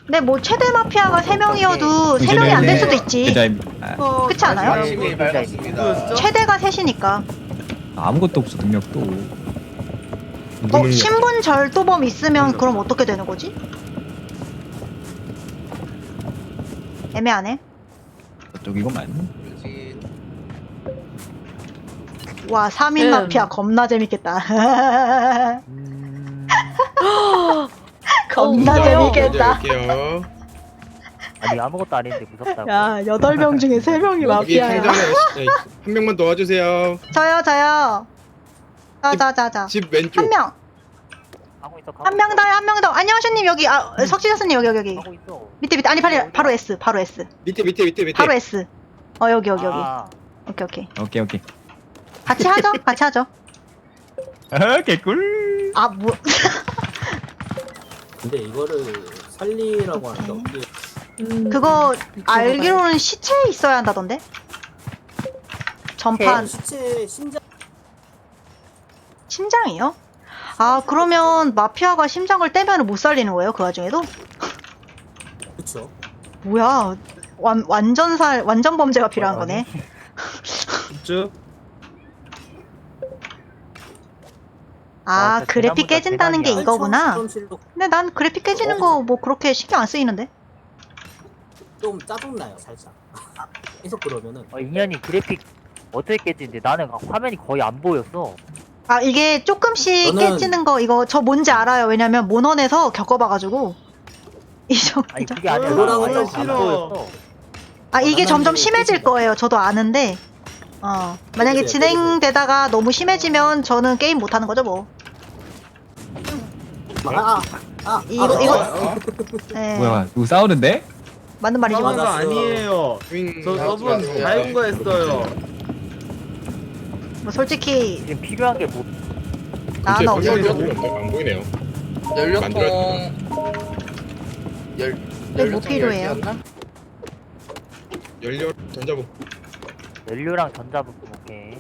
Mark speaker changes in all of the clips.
Speaker 1: 근데 뭐 최대 마피아가 3명이어도 3명이 안 될 수도 있지. 그렇지 않아요?
Speaker 2: 아침이 밝았습니다.
Speaker 1: 최대가 3이니까.
Speaker 3: 아무것도 없어 능력도.
Speaker 1: 신분 절도범 있으면 그럼 어떻게 되는 거지? 애매하네.
Speaker 3: 저쪽이구만.
Speaker 2: 그렇지.
Speaker 1: 와 3인 마피아 겁나 재밌겠다. 겁나 재밌겠다.
Speaker 2: 할게요.
Speaker 4: 아니 아무것도 아닌데 무섭다고.
Speaker 1: 야 8명 중에 3명이
Speaker 2: 여기
Speaker 1: 마피아야.
Speaker 2: 상점에 한 명만 도와주세요.
Speaker 1: 저요. 자자자자.
Speaker 2: 집 왼쪽.
Speaker 1: 한 명.
Speaker 4: 가고 있어.
Speaker 1: 한 명 더요. 한 명 더. 안녕하세님 여기. 석지자스님 여기.
Speaker 4: 가고 있어.
Speaker 1: 밑에. 아니 바로 S. 바로 S.
Speaker 2: 밑에.
Speaker 1: 바로 S. 여기.
Speaker 4: 아,
Speaker 1: 오케이.
Speaker 3: 오케이.
Speaker 1: 같이 하죠.
Speaker 3: 아 개꿀.
Speaker 1: 아 뭐.
Speaker 5: 근데 이거를 살리라고 하는데 어떻게
Speaker 1: 그거 알기로는 시체에 있어야 한다던데? 전판
Speaker 5: 시체 심장
Speaker 1: 심장이요? 아 그러면 마피아가 심장을 떼면 못 살리는 거예요? 그 와중에도?
Speaker 5: 그쵸?
Speaker 1: 뭐야 완전 범죄가 필요한 거네.
Speaker 2: 쭉.
Speaker 1: 아
Speaker 4: 진짜
Speaker 1: 그래픽
Speaker 4: 대나무가
Speaker 1: 깨진다는 게
Speaker 4: 대박이야.
Speaker 1: 이거구나.
Speaker 5: 실험실도
Speaker 1: 근데 난 그래픽 깨지는 거 뭐 그렇게 신경 안 쓰이는데?
Speaker 5: 좀 짜증나요 살짝 계속 그러면은
Speaker 4: 인연이 그래픽 어떻게 깨지는데 나는 화면이 거의 안 보였어.
Speaker 1: 아 이게 조금씩
Speaker 5: 저는-
Speaker 1: 깨지는 거 이거 저 뭔지 알아요. 왜냐면 모넌에서 겪어봐가지고
Speaker 4: 아니 그게 아니라
Speaker 5: 그거랑은
Speaker 4: 완전
Speaker 5: 좀
Speaker 4: 안
Speaker 5: 달라.
Speaker 4: 보였어.
Speaker 1: 아 이게
Speaker 5: 나는
Speaker 1: 점점
Speaker 5: 이게
Speaker 1: 심해질
Speaker 5: 깨진다.
Speaker 1: 거예요. 저도 아는데 만약에
Speaker 5: 깨지세요,
Speaker 1: 진행되다가 너무 심해지면 저는 게임 못 하는 거죠 뭐. 이거 네,
Speaker 3: 뭐야 누구 싸우는데?
Speaker 1: 맞는 말이지 뭐.
Speaker 5: 맞아.
Speaker 6: 거 아니에요. 저 저분 다른 거 했어요.
Speaker 1: 뭐 솔직히
Speaker 4: 지금 필요한 게 뭐?
Speaker 1: 나는 없어.
Speaker 2: 안 보이네요.
Speaker 7: 연료통
Speaker 1: 왜 뭐 필요해요?
Speaker 2: 연료 전자부.
Speaker 4: 연료랑 전자부품 오케이.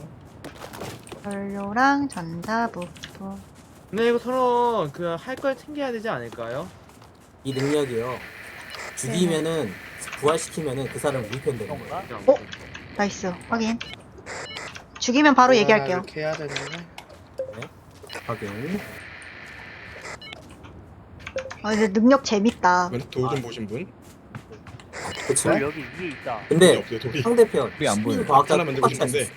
Speaker 1: 연료랑 전자부품.
Speaker 6: 근데 이거 서로 그 할 걸 챙겨야 되지 않을까요?
Speaker 5: 이 능력이요 죽이면은 부활시키면은 그 사람 우리 편 되는 거야
Speaker 4: 그런가?
Speaker 1: 나이스 확인. 죽이면 바로 얘기할게요.
Speaker 2: 이렇게 해야 되는데.
Speaker 5: 확인
Speaker 1: 이제 능력 재밌다.
Speaker 2: 돌 좀 보신 분?
Speaker 5: 그쵸?
Speaker 4: 돌 여기 위에 있다.
Speaker 5: 근데
Speaker 2: 없어요 돌이.
Speaker 5: 상대편
Speaker 3: 우리 안 보여요.
Speaker 5: 시민 과학자
Speaker 2: 하나 만들고 싶은데.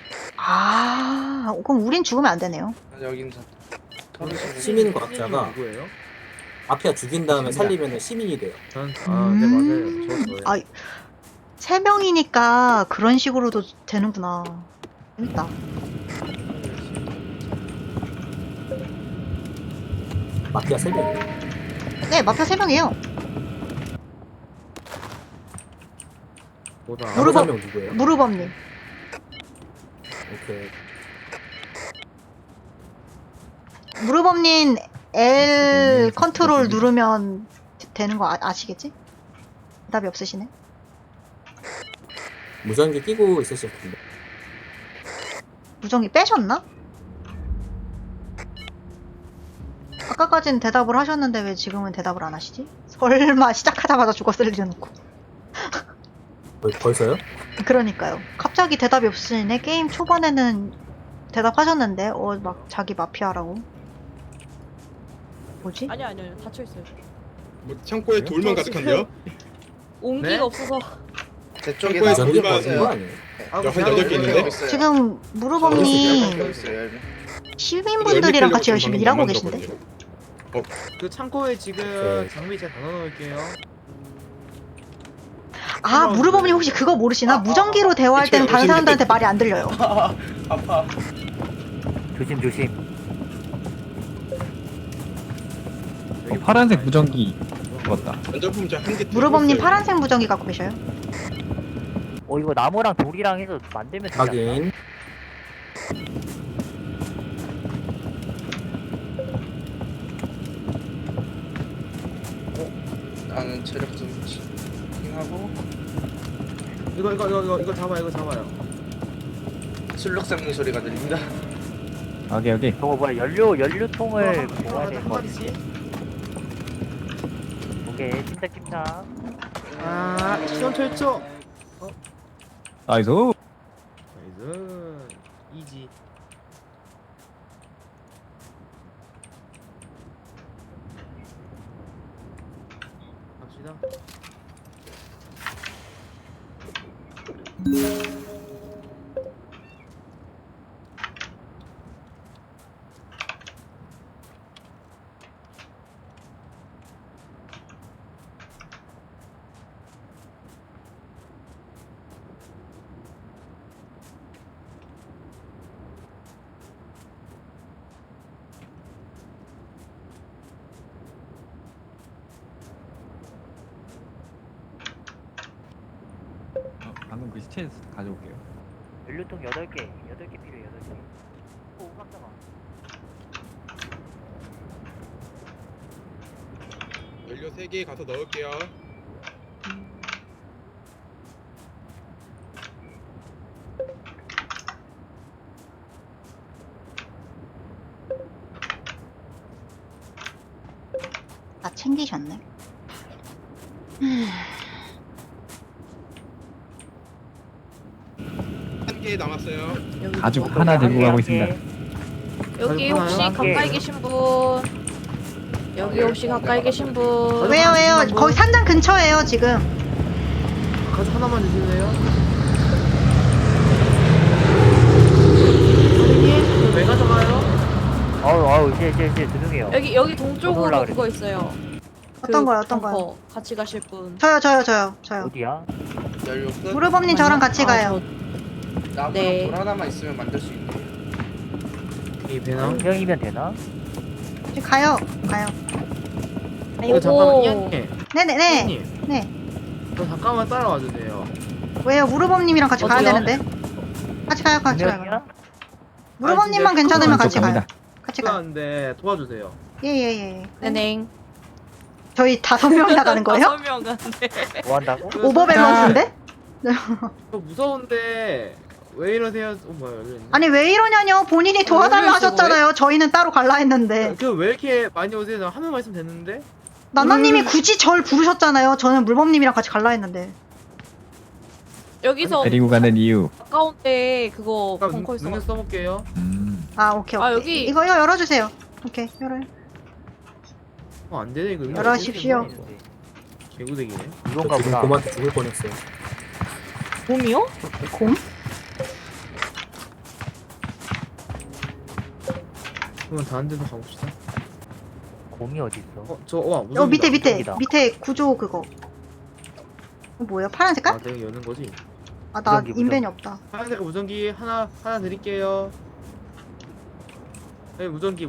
Speaker 1: 그럼 우린 죽으면 안 되네요.
Speaker 7: 여긴
Speaker 5: 시민 과학자가
Speaker 6: 누구예요?
Speaker 5: 마피아 죽인 다음에 살리면은 시민이 돼요
Speaker 6: 네 맞아요. 저 저예요.
Speaker 1: 아 3명이니까 그런 식으로도 되는구나. 재밌다.
Speaker 5: 마피아 3명
Speaker 1: 네 마피아 3명이에요.
Speaker 6: 뭐다.
Speaker 1: 무릎-
Speaker 5: 명 누구예요?
Speaker 1: 무르범님.
Speaker 5: 오케이
Speaker 1: 무르범님 L 컨트롤 누르면 되는 거 아시겠지? 답이 없으시네.
Speaker 5: 무전기 끼고 있으실 텐데
Speaker 1: 무전기 빼셨나? 아까까진 대답을 하셨는데 왜 지금은 대답을 안 하시지? 설마 시작하자마자 죽었을 일은 없고.
Speaker 5: 벌써요?
Speaker 1: 그러니까요. 갑자기 대답이 없으시네. 게임 초반에는 대답하셨는데 막 자기 마피아라고. 뭐지?
Speaker 8: 아니요 닫혀있어요.
Speaker 2: 뭐 창고에 돌만 가득한데요?
Speaker 8: 온기가
Speaker 6: 네?
Speaker 8: 없어서.
Speaker 7: 제 쪽에
Speaker 2: 창고에
Speaker 5: 무전기
Speaker 2: 돌만
Speaker 5: 버는 거 아니에요?
Speaker 6: 아,
Speaker 2: 한 8개 있는데?
Speaker 1: 지금 무르범님 시민분들이랑 같이 열심히 일하고 계신데?
Speaker 6: 그 창고에 지금
Speaker 5: 오케이.
Speaker 6: 장비 제가 다 넣어놓을게요.
Speaker 1: 무르범님 혹시 그거 모르시나? 무전기로 대화할 때는 다른 사람들한테 말이 안 들려요.
Speaker 7: 아파.
Speaker 4: 조심.
Speaker 3: 파란색 무전기 먹었다.
Speaker 2: 전자부품 저한 개.
Speaker 1: 무르범님 파란색 무전기 갖고 계셔요?
Speaker 4: 이거 나무랑 돌이랑 해서 만들면 되지 않나?
Speaker 5: 확인
Speaker 7: 나는 체력 좀 킹하고
Speaker 6: 이거 잡아요.
Speaker 7: 술록 샘는 소리가 들린다.
Speaker 3: 오케이.
Speaker 4: 저거 뭐야 연료통을
Speaker 6: 한
Speaker 4: 모아야 되는 거 같은데.
Speaker 6: 마디씩.
Speaker 4: 오케이 침착.
Speaker 6: 아 시험 철초.
Speaker 3: 나이스.
Speaker 6: 나이스. 이지. 갑시다.
Speaker 3: 방금 그 시체 가져올게요.
Speaker 4: 연료통 8개 필요해 8개. 오 깜짝아.
Speaker 2: 연료 3개 가서 넣을게요.
Speaker 1: 다 챙기셨네.
Speaker 2: 한 개 남았어요.
Speaker 8: 여기
Speaker 3: 가죽
Speaker 8: 누구?
Speaker 3: 하나 들고 가고
Speaker 4: 한
Speaker 3: 있습니다.
Speaker 8: 여기
Speaker 6: 가지고
Speaker 8: 혹시
Speaker 6: 가나요?
Speaker 8: 가까이 계신 분? 여기 혹시 가까이 계신 분?
Speaker 1: 왜요 왜요? 거기 산장 근처예요 지금.
Speaker 6: 가죽 하나만 주실래요? 선생님 왜 가져가요?
Speaker 4: 아우 이제 죄송해요.
Speaker 8: 여기 동쪽으로
Speaker 4: 올라가래.
Speaker 8: 그거 있어요.
Speaker 1: 어떤
Speaker 8: 그
Speaker 1: 거요 어떤 거요?
Speaker 8: 벙커 같이 가실 분.
Speaker 1: 저요.
Speaker 4: 어디야?
Speaker 7: 연료 끝.
Speaker 1: 무르범님 저랑 같이 가요.
Speaker 7: 나무랑
Speaker 8: 네.
Speaker 7: 돌 하나만 있으면 만들 수 있네.
Speaker 6: 이 배낭.
Speaker 4: 운명이면 되나?
Speaker 1: 이제 가요.
Speaker 6: 이거 잠깐만
Speaker 8: 요거
Speaker 6: 이한님.
Speaker 1: 네네네.
Speaker 6: 선생님.
Speaker 1: 네.
Speaker 6: 저 잠깐만 따라와 주세요.
Speaker 1: 왜요? 무르범님이랑 같이 가야
Speaker 8: 어디요?
Speaker 1: 되는데. 같이 가요.
Speaker 4: 운명이야?
Speaker 1: 무르범님만
Speaker 6: 아,
Speaker 1: 괜찮으면
Speaker 6: 진짜
Speaker 1: 같이 가요.
Speaker 3: 갑니다.
Speaker 1: 같이 가요.
Speaker 6: 필요한데 도와주세요.
Speaker 1: 예예예.
Speaker 8: 네넹.
Speaker 1: 저희 5명 나가는 거예요?
Speaker 8: 5명 간대.
Speaker 4: 뭐 한다고?
Speaker 1: 오버 밸런스인데?
Speaker 6: 저 무서운데 왜 이러세요? 뭐야 여기 있네.
Speaker 1: 아니 왜 이러냐뇨. 본인이 도와달라
Speaker 8: 왜 이러시고
Speaker 1: 하셨잖아요. 저희는 따로 갈라 했는데.
Speaker 6: 그 왜 이렇게 많이 오세요? 한 명만 있으면 됐는데.
Speaker 1: 나나님이 굳이 절 부르셨잖아요. 저는 물범님이랑 같이 갈라 했는데.
Speaker 8: 여기서
Speaker 3: 데리고 가는 이유.
Speaker 8: 가까운데 그거
Speaker 6: 아까
Speaker 8: 벙커 있어.
Speaker 6: 능력 써볼게요.
Speaker 1: 아 오케이.
Speaker 8: 아, 여기-
Speaker 1: 이거 열어주세요. 오케이 열어요.
Speaker 6: 안 되네 이거.
Speaker 1: 열어십시오.
Speaker 6: 개구대기네.
Speaker 4: 이건가
Speaker 5: 지금
Speaker 4: 보다.
Speaker 5: 곰한테 죽을 뻔했어요.
Speaker 8: 곰이요?
Speaker 1: 곰?
Speaker 6: 그러면 다른 데도 가봅시다.
Speaker 4: 곰이 어디 있어?
Speaker 6: 와 무슨
Speaker 1: 밑에
Speaker 4: 무섭다.
Speaker 1: 밑에 구조 그거. 뭐예요? 파란 색깔?
Speaker 6: 아 내가 여는 거지.
Speaker 1: 아 나
Speaker 4: 무전기,
Speaker 1: 인벤이 없다.
Speaker 6: 파란색 무전기 하나 드릴게요. 네 무전기.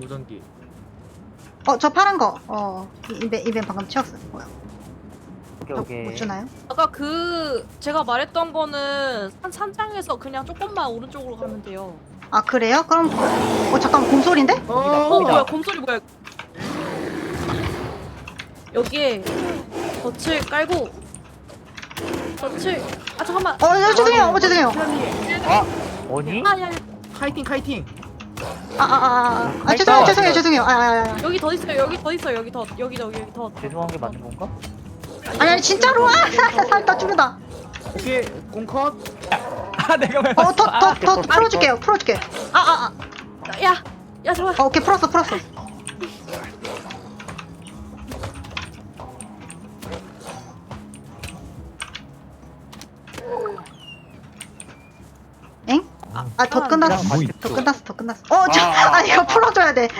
Speaker 1: 저 파란 거. 인벤 방금 채웠어. 뭐야?
Speaker 4: 오케이.
Speaker 1: 못 주나요?
Speaker 8: 아까 그 제가 말했던 거는 산장에서 그냥 조금만 오른쪽으로 가면 돼요.
Speaker 1: 아 그래요? 그럼 잠깐 곰소리인데?
Speaker 8: 뭐야 곰소리 뭐야? 여기에 덫을 깔고 덫을 잠깐만.
Speaker 1: 죄송해요. 죄송해요.
Speaker 4: 아니?
Speaker 8: 아야
Speaker 6: 카이팅.
Speaker 1: 죄송해요.
Speaker 8: 여기 더 있어요. 여기 더 여기 더.
Speaker 4: 죄송한 게 맞는 건가?
Speaker 1: 아니 진짜로 살다 죽는다.
Speaker 6: 오케이 공컷.
Speaker 3: 아 내가 왜?
Speaker 1: 더 풀어줄게요.
Speaker 8: 야 잠깐.
Speaker 1: 오케이 풀었어. 엥? 더 끝났어.
Speaker 3: 뭐 있어?
Speaker 1: 더 끝났어. 이거 풀어줘야 돼.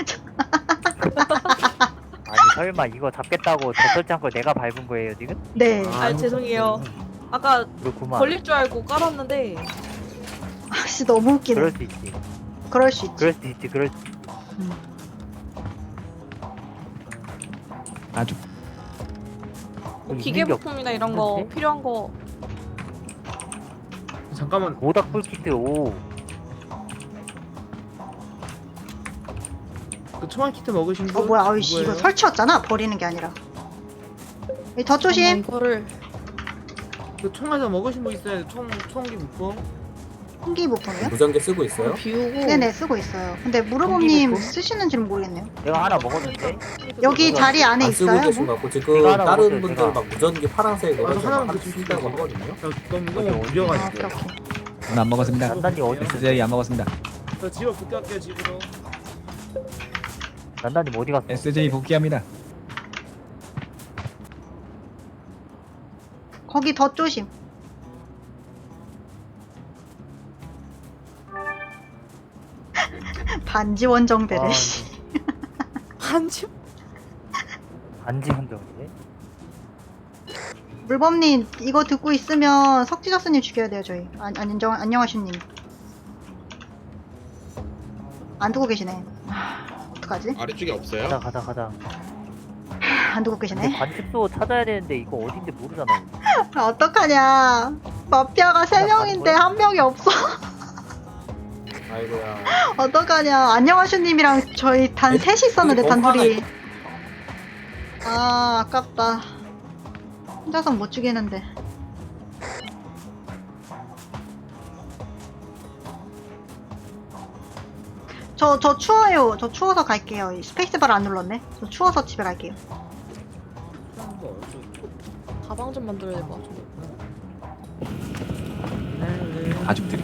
Speaker 4: 아니 설마 이거 잡겠다고 젖설지 않고 내가 밟은 거예요 지금?
Speaker 1: 네.
Speaker 8: 아 죄송해요. 아까
Speaker 4: 그렇구만.
Speaker 8: 걸릴 줄 알고 깔았는데
Speaker 1: 아씨 너무 웃기네.
Speaker 4: 그럴 수 있지.
Speaker 1: 그럴 수 있지.
Speaker 4: 그럴 수 있지.
Speaker 3: 아주
Speaker 8: 뭐
Speaker 4: 있는
Speaker 8: 기계
Speaker 4: 게
Speaker 8: 부품이나 이런 거
Speaker 4: 없는데?
Speaker 8: 필요한 거
Speaker 6: 잠깐만.
Speaker 4: 모닥불 키트 오.
Speaker 6: 그 총알 키트 먹으신 분?
Speaker 1: 뭐야? 아이씨 이거
Speaker 6: 누구예요?
Speaker 1: 설치였잖아. 버리는 게 아니라. 더 조심.
Speaker 8: 이거를
Speaker 6: 그 총알 좀 먹으신 분 있어요? 총기 부품?
Speaker 1: 홍기 부품이요?
Speaker 5: 무전기 쓰고 있어요?
Speaker 8: 비우고.
Speaker 1: 네네 쓰고 있어요. 근데 무르범님 쓰시는지는 모르겠네요.
Speaker 4: 내가 하나 먹었는데.
Speaker 1: 여기 자리 안에
Speaker 5: 안 쓰고
Speaker 1: 있어요?
Speaker 5: 계신
Speaker 1: 뭐?
Speaker 5: 것 같고 지금
Speaker 4: 제가 하나
Speaker 5: 다른
Speaker 4: 먹었어요,
Speaker 5: 분들
Speaker 4: 제가.
Speaker 5: 막 무전기 파란색
Speaker 6: 하나만
Speaker 5: 노란색
Speaker 6: 더 주시면
Speaker 5: 쓰다고
Speaker 6: 돼요.
Speaker 5: 하거든요.
Speaker 6: 너무
Speaker 1: 아
Speaker 6: 무려가지고.
Speaker 1: 오케이 오케이.
Speaker 3: 저는 안 먹었습니다.
Speaker 4: 난단이 어디 있어?
Speaker 3: SJ 안 먹었습니다.
Speaker 6: 저 집으로 복귀할게요 집으로.
Speaker 4: 난단님 어디 갔어?
Speaker 3: SJ 복귀합니다.
Speaker 1: 거기 더 조심. 반지 원정대래.
Speaker 4: 아,
Speaker 8: 한지.
Speaker 4: 반지 한정이네.
Speaker 1: 물범님 이거 듣고 있으면 석지작스님 죽여야 돼요 저희. 안녕하십님. 안 두고 계시네. 어떡하지?
Speaker 2: 아래쪽에 없어요?
Speaker 4: 가자.
Speaker 1: 안 두고
Speaker 4: 근데
Speaker 1: 계시네.
Speaker 4: 관측소 찾아야 되는데 이거 어딘지 모르잖아.
Speaker 1: 어떡하냐. 마피아가 3명인데 한 명이 없어.
Speaker 5: 아이고야.
Speaker 1: 어떡하냐. 안녕하십님이랑 저희 단 셋이 있었는데
Speaker 5: 너무
Speaker 1: 단둘이. 아 아깝다. 혼자서 못 죽이는데. 저 추워요. 저 추워서 갈게요. 이 스페이스바를 안 눌렀네. 저 추워서 집에 갈게요.
Speaker 8: 가방 좀 만들어야 될 것 같은데.
Speaker 3: 가죽들이.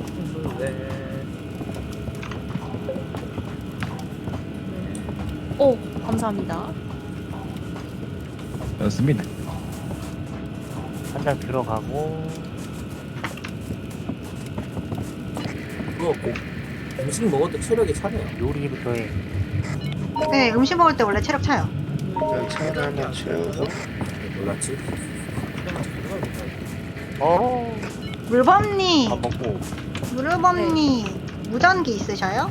Speaker 8: 오, 감사합니다.
Speaker 3: 좋습니다.
Speaker 4: 한 장 들어가고.
Speaker 5: 그거 음식 먹을 때 체력이 차네요.
Speaker 4: 요리부터 해.
Speaker 1: 네, 음식 먹을 때 원래 체력 차요.
Speaker 7: 일단 차를 한번 채우고.
Speaker 5: 몰랐지?
Speaker 4: 어.
Speaker 1: 물범님,
Speaker 4: 밥 먹고.
Speaker 1: 물범님 무전기 있으셔요?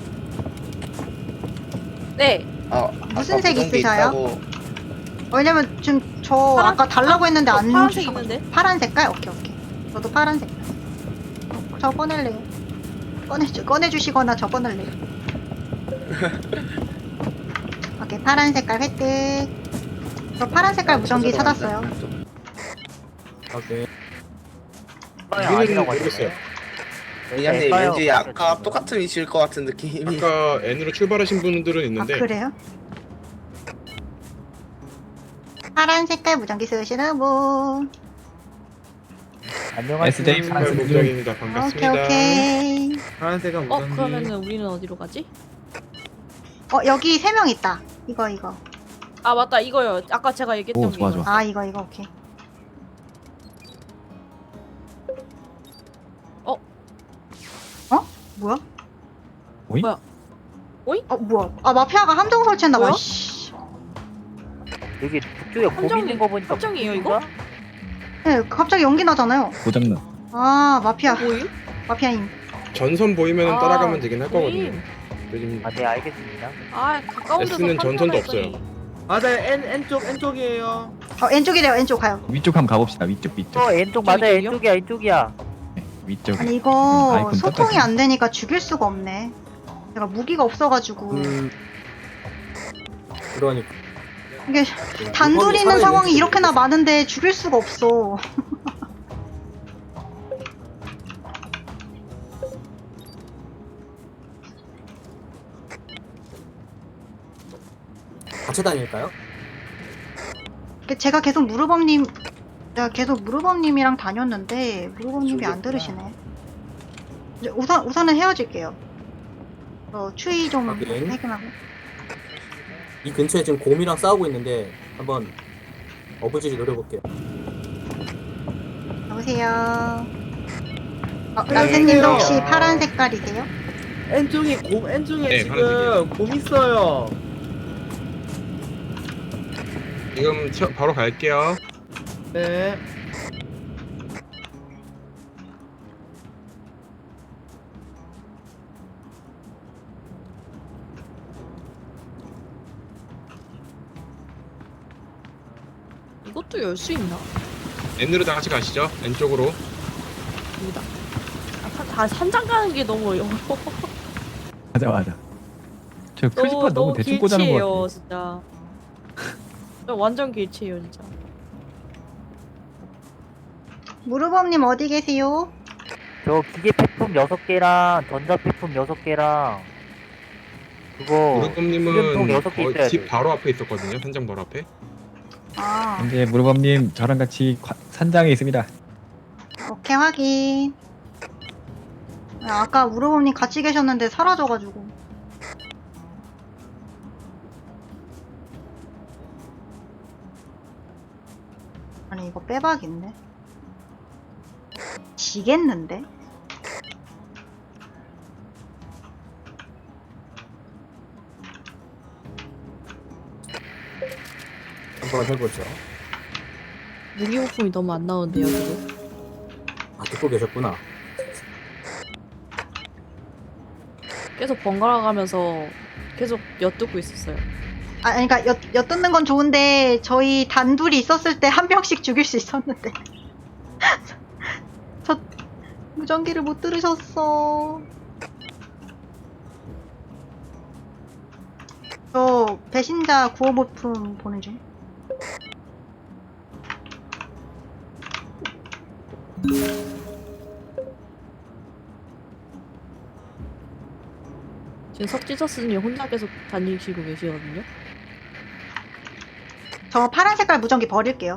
Speaker 8: 네.
Speaker 7: 아,
Speaker 1: 무슨
Speaker 7: 아까
Speaker 1: 색
Speaker 7: 무전기
Speaker 1: 있으셔요?
Speaker 7: 있다고.
Speaker 1: 왜냐면 지금 저
Speaker 8: 파란-
Speaker 1: 아까 달라고 했는데 안
Speaker 8: 파란색
Speaker 1: 주셔가지고.
Speaker 8: 있는데?
Speaker 1: 파란 색깔? 오케이 오케이. 저도 파란 색깔. 저 꺼낼래요. 꺼내주시거나 저 꺼낼래요. 오케이 파란 색깔 획득. 저 파란 색깔 무전기 찾았어요.
Speaker 5: 오케이.
Speaker 2: 여기는 모르겠어요.
Speaker 7: 왜냐면
Speaker 4: 에빠요.
Speaker 7: 왠지 아까 똑같은 위치일 것 같은 느낌이.
Speaker 2: 아까 N으로 출발하신 분들은
Speaker 1: 아
Speaker 2: 있는데
Speaker 1: 그래요? 파란 색깔 무전기 쓰시는 분.
Speaker 4: 안녕하세요.
Speaker 3: SJ
Speaker 2: 정말
Speaker 3: 파란색
Speaker 2: 목적입니다.
Speaker 1: 오케이
Speaker 2: 반갑습니다.
Speaker 1: 오케이.
Speaker 6: 파란색은 무전기.
Speaker 8: 그러면은 우리는 어디로 가지?
Speaker 1: 여기 3명 있다. 이거.
Speaker 8: 아 맞다 이거요. 아까 제가 얘기했던
Speaker 3: 오,
Speaker 8: 게
Speaker 3: 좋아,
Speaker 8: 이거.
Speaker 3: 좋아.
Speaker 1: 아 이거 오케이. 뭐야?
Speaker 3: 오잉?
Speaker 8: 뭐야?
Speaker 1: 뭐야? 아 마피아가 함정 설치했나봐.
Speaker 8: 뭐야?
Speaker 1: 씨.
Speaker 4: 여기 북쪽에 곰
Speaker 8: 함정이-
Speaker 4: 있는 거 보니까
Speaker 8: 함정이에요, 이거?
Speaker 1: 네, 갑자기 연기 나잖아요.
Speaker 3: 고장난.
Speaker 1: 아 마피아.
Speaker 8: 뭐임?
Speaker 1: 마피아임.
Speaker 2: 전선 보이면
Speaker 8: 아,
Speaker 2: 따라가면 되긴 할 거거든요.
Speaker 8: 보임.
Speaker 2: 요즘
Speaker 4: 아, 네, 알겠습니다.
Speaker 8: 아 가까운 데서
Speaker 2: S는 전선도
Speaker 8: 판단했더니.
Speaker 2: 없어요.
Speaker 6: 맞아요. N쪽이에요.
Speaker 1: N쪽이래요. N쪽 가요.
Speaker 3: 위쪽 한번 가봅시다. 위쪽.
Speaker 4: 왼쪽 맞아,
Speaker 8: 저기
Speaker 4: 왼쪽이야, 왼쪽이야.
Speaker 3: 네, 위쪽.
Speaker 1: 아니 이거
Speaker 3: 아이콘
Speaker 1: 소통이
Speaker 3: 떴다.
Speaker 1: 안 되니까 죽일 수가 없네. 내가 무기가 없어가지고
Speaker 5: 그러니까.
Speaker 1: 이게 단둘이 있는 상황이 이렇게나 많은데 죽일 수가 없어.
Speaker 5: 같이 다닐까요?
Speaker 1: 제가 계속 무르범님이랑 다녔는데 무르범님이 안 들으시네. 이제 우선은 헤어질게요. 추위 좀
Speaker 5: 하긴.
Speaker 1: 해결하고.
Speaker 5: 이 근처에 지금 곰이랑 싸우고 있는데 한번 어부지리 노려볼게요.
Speaker 1: 여보세요. 람새님도 혹시 파란 색깔이세요?
Speaker 6: N쪽에
Speaker 2: 네,
Speaker 6: 지금
Speaker 2: 파란색이에요.
Speaker 6: 곰 있어요.
Speaker 2: 지금 바로 갈게요.
Speaker 6: 네.
Speaker 8: 이것도 열 수 있나?
Speaker 2: N으로 다 같이 가시죠. N 쪽으로.
Speaker 8: 여기다. 다 산장 가는 게 너무 어려워.
Speaker 3: 맞아. 저 크리퍼 너무 대충 꽂아놓은 것
Speaker 8: 길치예요,
Speaker 3: 같아.
Speaker 8: 진짜. 저 완전 길치예요, 진짜.
Speaker 1: 무르범님 어디 계세요?
Speaker 4: 저 기계 폐품 6개랑 전자 폐품 6개랑 그거
Speaker 2: 무릎님은
Speaker 4: 수렴통 6개
Speaker 2: 거의
Speaker 4: 있어야
Speaker 2: 집
Speaker 4: 돼.
Speaker 2: 바로 앞에 있었거든요. 현장 바로 앞에.
Speaker 1: 아,
Speaker 3: 현재 무르범님 저랑 같이 산장에 있습니다.
Speaker 1: 오케이, 확인. 아까 우르범님 같이 계셨는데 사라져가지고. 아니, 이거 빼박인데? 지겠는데?
Speaker 5: 한번 해보죠.
Speaker 8: 무기 부품이 너무 안 나오는데요 지금.
Speaker 5: 아, 듣고 계셨구나.
Speaker 8: 계속 번갈아 가면서 계속 엿듣고 있었어요.
Speaker 1: 아, 그러니까 엿듣는 건 좋은데 저희 단둘이 있었을 때 한 명씩 죽일 수 있었는데 저 무전기를 못 들으셨어. 저 배신자 구호 모품 보는 중.
Speaker 8: 지금 석지서스님 혼자 계속 다니시고 계시거든요.
Speaker 1: 저 파란 색깔 무전기 버릴게요.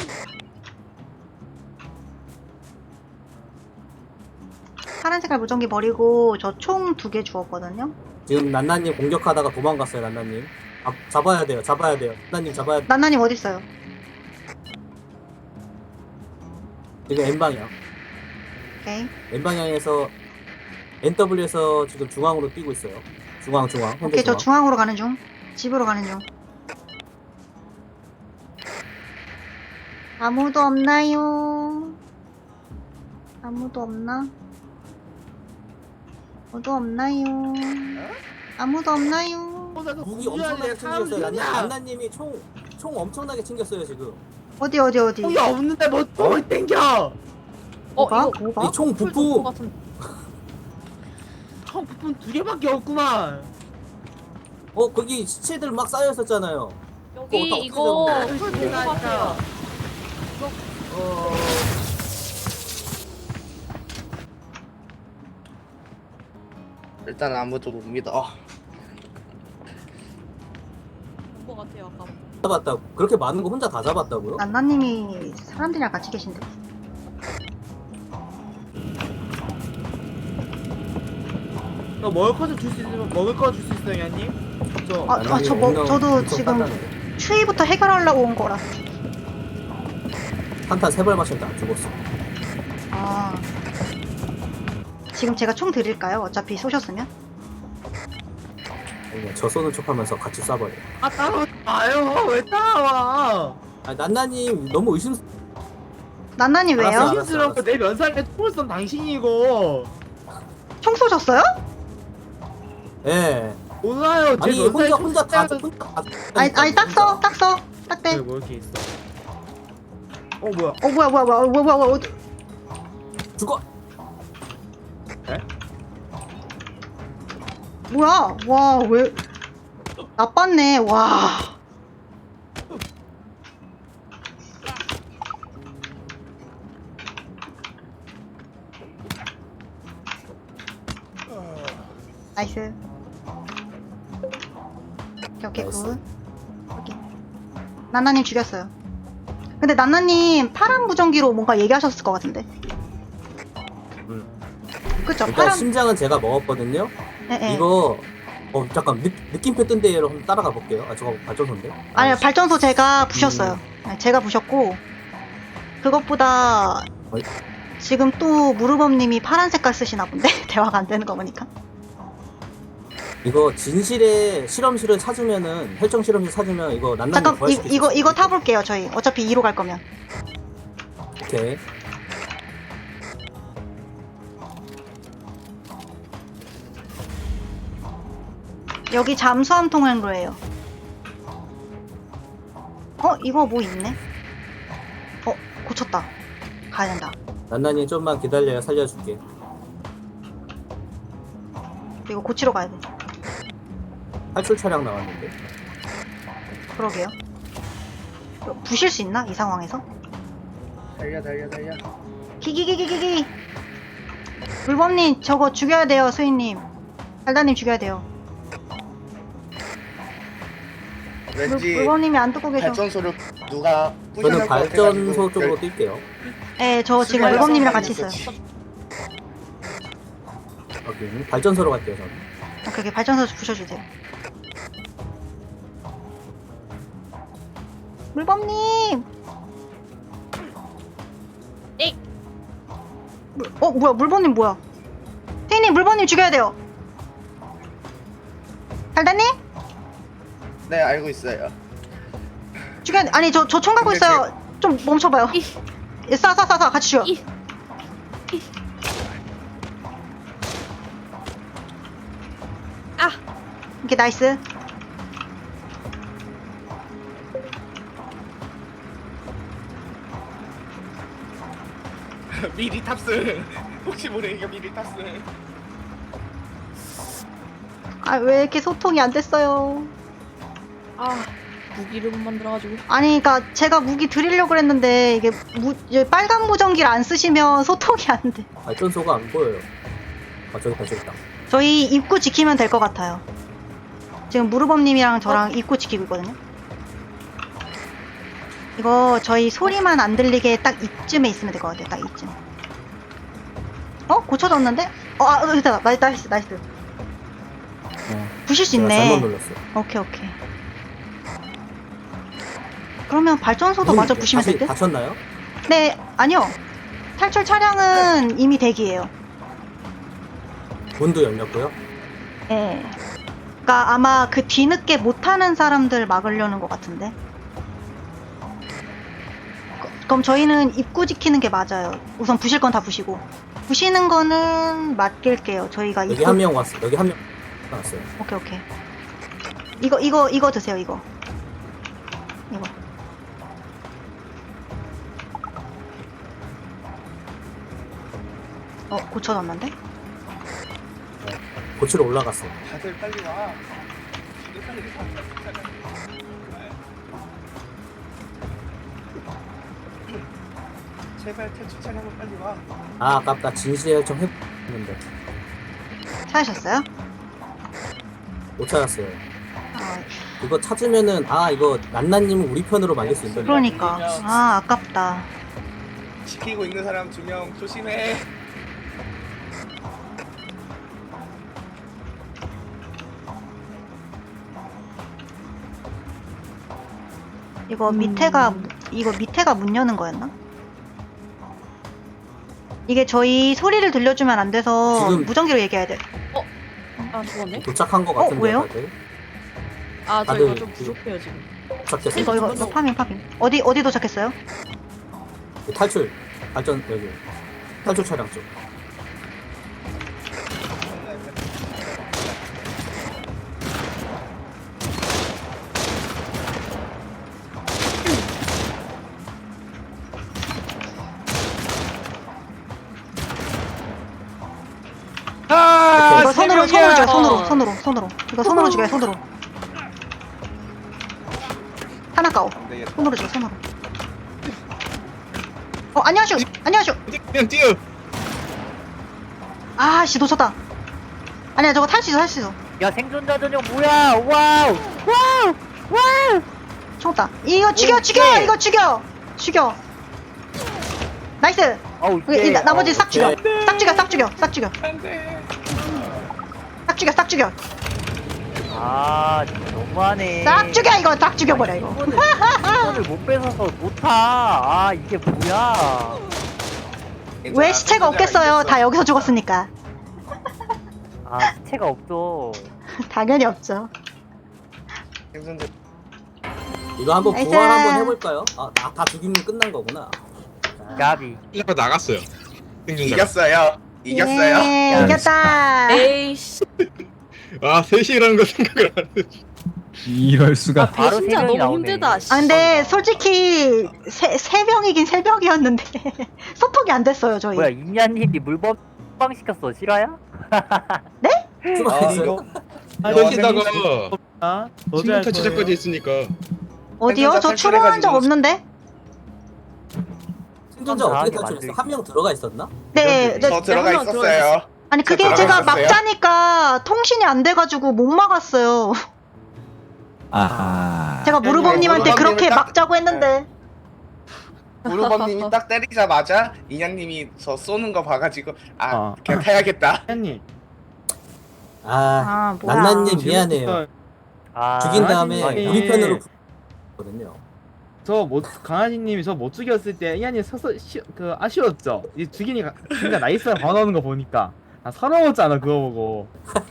Speaker 1: 파란 색깔 무전기 버리고 저 총 2개 주웠거든요.
Speaker 5: 지금 난나님 공격하다가 도망갔어요, 난나님. 아, 잡아야 돼요, 잡아야 돼요. 난나님 잡아야 돼.
Speaker 1: 난나님 어딨어요?
Speaker 5: 지금 N방향.
Speaker 1: 오케이.
Speaker 5: N방향에서 NW에서 지금 중앙으로 뛰고 있어요. 중앙. 현재
Speaker 1: 오케이, 저
Speaker 5: 중앙.
Speaker 1: 중앙으로 가는 중. 집으로 가는 중. 아무도 없나요? 아무도 없나? 아무도 없나요? 아무도 없나요?
Speaker 5: 무기 엄청나게 챙겼어요. 난나님이 총 엄청나게 챙겼어요, 지금.
Speaker 1: 어디?
Speaker 6: 총이 없는데 뭐 똥을 땡겨.
Speaker 1: 뭐가?
Speaker 8: 이거
Speaker 1: 뭐가?
Speaker 5: 이 총
Speaker 8: 풀
Speaker 5: 부품.
Speaker 8: 같은.
Speaker 6: 총 부품 2개밖에 없구만.
Speaker 5: 거기 시체들 막 쌓여 있었잖아요.
Speaker 8: 여기
Speaker 5: 어떻게
Speaker 8: 이거
Speaker 6: 잡은
Speaker 8: 풀
Speaker 6: 거야?
Speaker 8: 본것 같아요.
Speaker 7: 일단 아무도 못 믿어.
Speaker 8: 본것 같아요 아까.
Speaker 5: 잡았다고. 그렇게 많은 거 혼자 다 잡았다고요?
Speaker 1: 난나님이 사람들이랑 같이 계신데.
Speaker 6: 너 먹을 거 좀 줄 수 있으면 먹을 거 줄 수 있어요, 야님? 저
Speaker 5: 난나님
Speaker 1: 저도
Speaker 5: 엄청
Speaker 1: 지금
Speaker 5: 단단해.
Speaker 1: 추위부터 해결하려고 온 거라.
Speaker 5: 한탄 3발 마셨는데 안 죽었어.
Speaker 1: 아. 지금 제가 총 드릴까요? 어차피 쏘셨으면?
Speaker 5: 그냥 저 쏘는 척하면서 같이 쏴버려.
Speaker 6: 아 따라와요. 왜 따라와?
Speaker 5: 아, 난나님 너무
Speaker 1: 난나님 왜요?
Speaker 5: 알았어.
Speaker 6: 의심스럽고 내 면상에 총을 쏜 당신이고.
Speaker 1: 총 쏘셨어요?
Speaker 5: 예.
Speaker 6: 몰라요. 제
Speaker 5: 아니
Speaker 6: 면상에
Speaker 5: 혼자 다
Speaker 6: 총
Speaker 1: 아니 딱 써. 딱 돼.
Speaker 6: 뭐 이렇게 있어? 뭐야?
Speaker 1: 뭐야. 어디-
Speaker 5: 죽어.
Speaker 1: 뭐야? 와, 왜 나빴네. 와. 나이스. 오케이,
Speaker 5: 나이스.
Speaker 1: 굿. 오케이. 난나님 죽였어요. 근데 난나님 파란 무전기로 뭔가 얘기하셨을 것 같은데. 그쵸?
Speaker 5: 일단
Speaker 1: 파란.
Speaker 5: 심장은 제가 먹었거든요.
Speaker 1: 예.
Speaker 5: 이거 잠깐 느낌표 뜬 데로 한번 따라가 볼게요. 아 저거 발전소인데?
Speaker 1: 아니요, 발전소 제가 부셨어요. 네, 제가 부셨고, 그것보다
Speaker 5: 어이?
Speaker 1: 지금 또 무르범님이 파란 색깔 쓰시나 본데? 대화가 안 되는 거 보니까.
Speaker 5: 이거 진실의 실험실을 찾으면은 혈청 실험실 찾으면 이거 난나님
Speaker 1: 잠깐,
Speaker 5: 부활시킬 수 있어요.
Speaker 1: 이거 타볼게요, 저희. 어차피 2로 갈 거면.
Speaker 5: 오케이.
Speaker 1: 여기 잠수함 통행로예요. 이거 뭐 있네? 고쳤다. 가야 된다.
Speaker 5: 난나님 좀만 기다려요. 살려줄게.
Speaker 1: 이거 고치러 가야 돼.
Speaker 5: 탈출 차량 나왔는데.
Speaker 1: 그러게요. 이거 부실 수 있나? 이 상황에서?
Speaker 7: 달려.
Speaker 1: 기기기기기기! 물범님 저거 죽여야 돼요, 수인님. 달달님 죽여야 돼요.
Speaker 7: 왠지
Speaker 1: 물범님이 안 듣고 계셔.
Speaker 7: 발전소를 누가
Speaker 5: 저는
Speaker 7: 부셔놓을 것
Speaker 5: 발전소
Speaker 7: 같아가지고
Speaker 5: 쪽으로 뛸게요.
Speaker 1: 네, 저 지금 물범님이랑 같이 있어요.
Speaker 5: 오케이. 발전소로 갈게요, 저는.
Speaker 1: 오케이, 발전소 부셔주세요. 물범님!
Speaker 8: 에이.
Speaker 1: 뭐야, 물범님 뭐야? 태희님, 물범님 죽여야 돼요. 달달님?
Speaker 7: 네 알고 있어요.
Speaker 1: 죽여야 돼. 아니, 저 총 갖고
Speaker 7: 근데
Speaker 1: 있어요. 좀 멈춰봐요.
Speaker 8: 이.
Speaker 1: 쏴, 같이 죽여.
Speaker 8: 이. 아.
Speaker 1: 이렇게 나이스.
Speaker 7: 미리 탑승. 혹시 모르니까 미리 탑승.
Speaker 1: 아, 왜 이렇게 소통이 안 됐어요?
Speaker 8: 아 무기를 못 만들어가지고.
Speaker 1: 아니, 그니까 제가 무기 드리려고 그랬는데 이게 이제 빨간 무전기를 안 쓰시면 소통이 안 돼.
Speaker 5: 발전소가 안 보여요. 아, 저기 있다.
Speaker 1: 저희 입구 지키면 될 것 같아요. 지금 무르범님이랑 저랑 입구 지키고 있거든요. 이거 저희 소리만 안 들리게 딱 이쯤에 있으면 될 것 같아요. 딱 이쯤. 고쳐졌는데? 됐다. 나이스. 부실 수
Speaker 5: 제가 잘못
Speaker 1: 있네.
Speaker 5: 눌렀어요.
Speaker 1: 오케이. 그러면 발전소도 마저 부시면 될 듯?
Speaker 5: 다쳤나요?
Speaker 1: 네, 아니요. 탈출 차량은 이미 대기예요.
Speaker 5: 문도 열렸고요.
Speaker 1: 예. 그러니까 아마 그 뒤늦게 못하는 사람들 막으려는 것 같은데. 그럼 저희는 입구 지키는 게 맞아요. 우선 부실 건 다 부시고. 부시는 거는 맡길게요. 저희가
Speaker 5: 여기 한 명 왔어. 여기 한 명 왔어요.
Speaker 1: 오케이. 이거 드세요, 이거. 고쳐놨는데?
Speaker 5: 고치러 올라갔어요.
Speaker 7: 다들 빨리 와. 제발 탈출 차량은 빨리 와.
Speaker 5: 아, 아깝다. 진실의 혈청 했는데
Speaker 1: 찾으셨어요?
Speaker 5: 못 찾았어요.
Speaker 1: 아,
Speaker 5: 이거 찾으면은 이거 난나님은 우리 편으로 말릴 수 있는데.
Speaker 1: 그러니까. 아깝다.
Speaker 7: 지키고 있는 사람 2명 조심해.
Speaker 1: 이거 밑에가 문 여는 거였나? 이게 저희 소리를 들려주면 안 돼서
Speaker 5: 지금-
Speaker 1: 무전기로 얘기해야 돼.
Speaker 8: 아 죽었네.
Speaker 5: 도착한 것 같은데.
Speaker 1: 왜요?
Speaker 5: 다들?
Speaker 8: 아 저
Speaker 5: 다들
Speaker 8: 이거 좀 부족해요 지금.
Speaker 5: 도착했어요.
Speaker 1: 이거 파밍. 어디 도착했어요?
Speaker 5: 탈출. 발전 여기. 탈출 차량 쪽.
Speaker 1: 이거 손으로 죽여요. 손으로. 이거 손으로 죽여요. 손으로. 하나 까오. 손으로 죽여. 손으로. 안녕하쇼.
Speaker 2: 그냥 뛰어.
Speaker 1: 아씨 놓쳤다. 아니야 저거 탈 수 있어.
Speaker 4: 야 생존자 전용 뭐야? 와우.
Speaker 1: 총다. 이거 죽여.
Speaker 4: 오케이.
Speaker 1: 이거 죽여. 나이스.
Speaker 4: 어우
Speaker 1: 나머지 싹 죽여.
Speaker 5: 오케이.
Speaker 1: 싹 죽여.
Speaker 7: 안돼.
Speaker 1: 싹 죽여.
Speaker 4: 아 진짜 너무하네.
Speaker 1: 싹 죽여 이거. 싹 죽여버려 이거.
Speaker 4: 이거를 못 뺏어서 못 타. 아 이게 뭐야?
Speaker 1: 왜 시체가 없겠어요? 다 여기서 죽었으니까.
Speaker 4: 아 시체가 없어.
Speaker 1: 당연히 없죠.
Speaker 7: 생존자
Speaker 5: 이거 한번
Speaker 1: 나이스.
Speaker 5: 부활 한번 해볼까요? 다 죽이면 끝난 거구나.
Speaker 4: 가비.
Speaker 2: 일라가 나갔어요. 생존자가.
Speaker 7: 이겼어요.
Speaker 1: 예, 이겼다.
Speaker 8: 에이씨.
Speaker 2: 아 3시라는 거 생각을 안 해.
Speaker 3: 이럴 수가.
Speaker 4: 바로 세
Speaker 8: 진짜
Speaker 4: 명이
Speaker 8: 너무
Speaker 4: 나오네.
Speaker 8: 힘들다. 씨.
Speaker 1: 근데 솔직히 세 명이긴 세 명이었는데 소통이 안 됐어요 저희.
Speaker 4: 뭐야 임야님이 물범 시켰어 실화야?
Speaker 5: 수고하셨어요.
Speaker 2: 거기다가
Speaker 6: 저지할
Speaker 2: 지금부터 제작까지 했으니까.
Speaker 1: 어디요? 저
Speaker 7: 생존자
Speaker 1: 출연한 적
Speaker 7: 탈출해가지고.
Speaker 1: 없는데?
Speaker 5: 생존자 어떻게
Speaker 4: 다
Speaker 5: 탈출했어?
Speaker 4: 만들기.
Speaker 5: 한 명 들어가 있었나?
Speaker 1: 네, 네.
Speaker 7: 저 들어가
Speaker 8: 한명 들어가
Speaker 7: 있었어요.
Speaker 1: 아니 그게
Speaker 7: 들어가
Speaker 1: 제가
Speaker 7: 있었어요?
Speaker 1: 막자니까 통신이 안 돼가지고 못 막았어요.
Speaker 3: 아하.
Speaker 1: 제가 무르범님한테
Speaker 7: 무르범님은
Speaker 1: 그렇게
Speaker 7: 딱-
Speaker 1: 막자고 했는데.
Speaker 7: 무르범님이 딱 때리자마자 인양님이 저 쏘는 거 봐가지고
Speaker 6: 어.
Speaker 7: 그냥 타야겠다.
Speaker 6: 님
Speaker 5: 아,
Speaker 1: 아 뭐야.
Speaker 5: 난난님 미안해요.
Speaker 4: 아,
Speaker 5: 죽인 다음에
Speaker 6: 아니,
Speaker 5: 우리 편으로 거든요.
Speaker 6: 강아지님이 저 못 죽였을 때 이한이 서서 그 아쉬웠죠. 이 죽이니까 진짜 나이스가 반하는 거 보니까 아 서러웠잖아 그거 보고.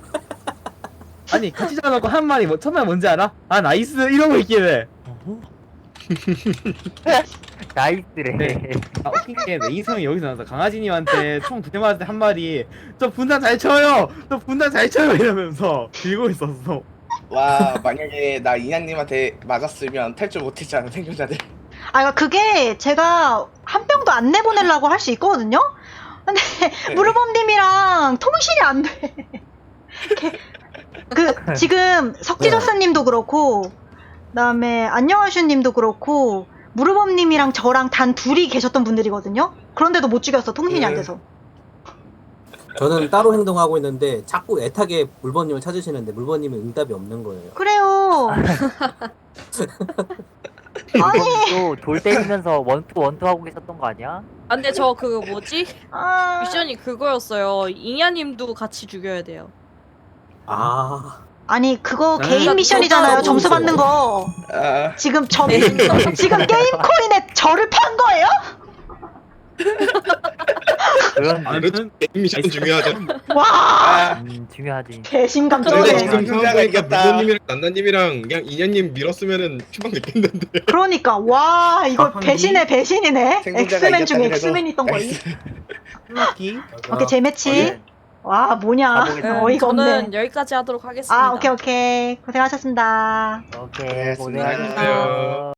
Speaker 6: 아니 같이 잡아놓고 한 마리 뭐 첫날 뭔지 알아? 아 나이스 이러고 있길래.
Speaker 4: 나이스래.
Speaker 6: 네. 아 웃긴 게 내 이성이 여기서 나왔어. 강아지님한테 총 2대 맞을 때 한 마리 저 분단 잘 쳐요. 저 분단 잘 쳐요 이러면서 들고 있었어.
Speaker 7: 와 만약에 나 인양님한테 맞았으면 탈출 못했잖아 생존자들.
Speaker 1: 아 그게 제가 한 병도 안 내보내려고 할 수 있거든요. 근데 무르범님이랑 통신이 안 돼. 그 지금 석지저스님도 그렇고, 그다음에 안녕하슈님도 그렇고, 무르범님이랑 저랑 단 둘이 계셨던 분들이거든요. 그런데도 못 죽였어 통신이 안 돼서.
Speaker 5: 저는 따로 행동하고 있는데 자꾸 애타게 물번님을 찾으시는데 물번님은 응답이 없는 거예요.
Speaker 1: 그래요. 아니.
Speaker 4: 또돌 때리면서 원투 하고 계셨던 거 아니야?
Speaker 8: 아, 근데 저 그 뭐지?
Speaker 1: 아,
Speaker 8: 미션이 그거였어요. 잉야님도 같이 죽여야 돼요.
Speaker 5: 아,
Speaker 1: 아니 그거
Speaker 6: 아,
Speaker 1: 개인 미션이잖아요.
Speaker 5: 또
Speaker 1: 점수
Speaker 5: 모르겠어요.
Speaker 1: 받는 거.
Speaker 7: 아,
Speaker 1: 지금
Speaker 8: 네.
Speaker 1: 지금 게임 코인에 저를 판 거예요?
Speaker 4: 그런
Speaker 6: 아니,
Speaker 2: 그렇죠. 게임 미션 중요하죠.
Speaker 1: 와,
Speaker 7: 아,
Speaker 4: 중요하지.
Speaker 1: 배신감
Speaker 2: 근데
Speaker 1: 쩔네.
Speaker 2: 지금
Speaker 7: 생존자가
Speaker 2: 상황보니까
Speaker 7: 이겼다.
Speaker 2: 무도님이랑 난나님이랑 그냥 인현님 밀었으면은 추방 됐겠는데.
Speaker 1: 그러니까 와 이거
Speaker 6: 아,
Speaker 1: 배신의 배신이네.
Speaker 7: 생존자가
Speaker 1: 엑스맨 중에
Speaker 7: 이겼다
Speaker 1: 엑스맨 있던 거니.
Speaker 6: 플러키.
Speaker 1: 오케이 재매치.
Speaker 7: 네.
Speaker 1: 와 뭐냐
Speaker 4: 가보겠습니다.
Speaker 1: 어이가
Speaker 8: 저는
Speaker 1: 없네.
Speaker 8: 여기까지 하도록 하겠습니다.
Speaker 1: 아 오케이 고생하셨습니다.
Speaker 4: 오케이,
Speaker 7: 네,
Speaker 4: 고생하셨어요.
Speaker 2: 수고하셨어요.